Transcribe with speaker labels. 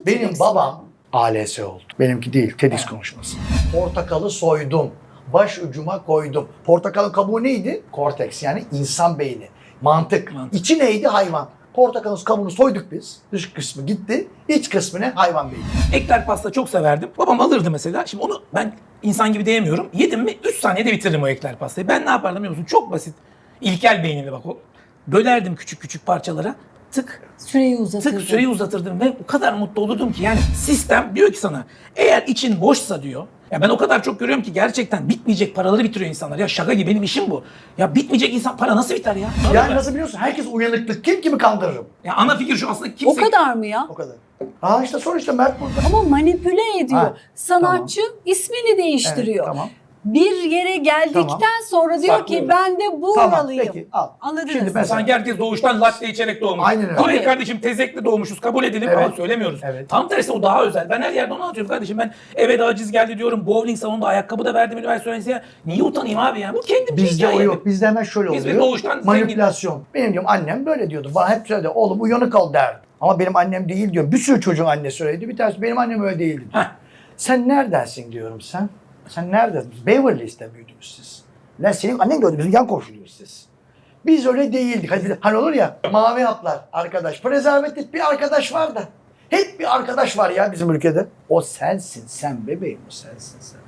Speaker 1: Benim babam ALS oldu. Benimki değil, TEDx konuşması. Portakalı soydum, baş ucuma koydum. Portakalın kabuğu neydi? Korteks, yani insan beyni. Mantık. İçi neydi? Hayvan. Portakalın kabuğunu soyduk biz. Dış kısmı gitti. İç kısmı ne? Hayvan beyni.
Speaker 2: Ekler pasta çok severdim. Babam alırdı mesela. Şimdi onu ben insan gibi diyemiyorum. Yedim mi 3 saniyede bitiririm o ekler pastayı. Ben ne yapardım biliyor musun? Çok basit. İlkel beynimle bak o. Bölerdim küçük küçük parçalara. Tık
Speaker 3: Süreyi uzatırdın.
Speaker 2: tık süreyi uzatırdım ve o kadar mutlu olurdum ki. Yani sistem diyor ki sana eğer için boşsa diyor. Ya ben o kadar çok görüyorum ki gerçekten bitmeyecek paraları bitiriyor insanlar. Ya şaka gibi benim işim bu. Ya bitmeyecek insan para nasıl biter ya?
Speaker 1: Yani nasıl biliyorsun? Herkes uyanıklık. Kim kimi kandırırım?
Speaker 2: Ya ana fikir şu aslında
Speaker 3: O
Speaker 2: kimse...
Speaker 3: kadar mı ya?
Speaker 1: O kadar. Aa işte sonuçta Mert burada.
Speaker 3: Ama manipüle ediyor.
Speaker 1: Ha,
Speaker 3: Sanatçı ismini değiştiriyor.
Speaker 1: Evet, tamam.
Speaker 3: Bir yere geldikten
Speaker 1: Tamam.
Speaker 3: sonra diyor
Speaker 1: Saklı.
Speaker 3: ki ben de
Speaker 1: Tamam
Speaker 3: buralıyım.
Speaker 1: peki al.
Speaker 3: Anladınız
Speaker 1: Şimdi
Speaker 3: mı?
Speaker 1: mesela
Speaker 2: Sanki herkes doğuştan latte içerek doğmuş.
Speaker 1: Aynen öyle.
Speaker 2: Hayır kardeşim tezekle doğmuşuz kabul edelim
Speaker 1: Evet.
Speaker 2: ama söylemiyoruz.
Speaker 1: Evet.
Speaker 2: Tam tersi o daha özel. Ben her yerde onu anlatıyorum kardeşim. Ben eve de aciz geldi diyorum. Bowling salonunda ayakkabı da verdim üniversite öğrencisine. Niye utanayım abi ya? Bu kendim
Speaker 1: bizde o yok. Bizde hemen şöyle
Speaker 2: Biz
Speaker 1: oluyor.
Speaker 2: doğuştan
Speaker 1: Manipülasyon. Benim diyorum annem böyle diyordu. Bana hep söyledi. Oğlum uyanık ol derdi. Ama benim annem değil diyorum. Bir sürü çocuğun annesi öyleydi. Bir tanesi benim annem öyle değildi.
Speaker 2: Heh.
Speaker 1: Sen neredensin diyorum sen. Sen neredesin? Beverly Hills'te büyüdünüz siz. Lan senin annen gördü. Bizim yan komşuyuz siz. Biz öyle değildik. Hani olur ya mavi haplar arkadaş. Prezervatif bir arkadaş var da. Hep bir arkadaş var ya bizim ülkede. O sensin sen bebeğim o sensin sen.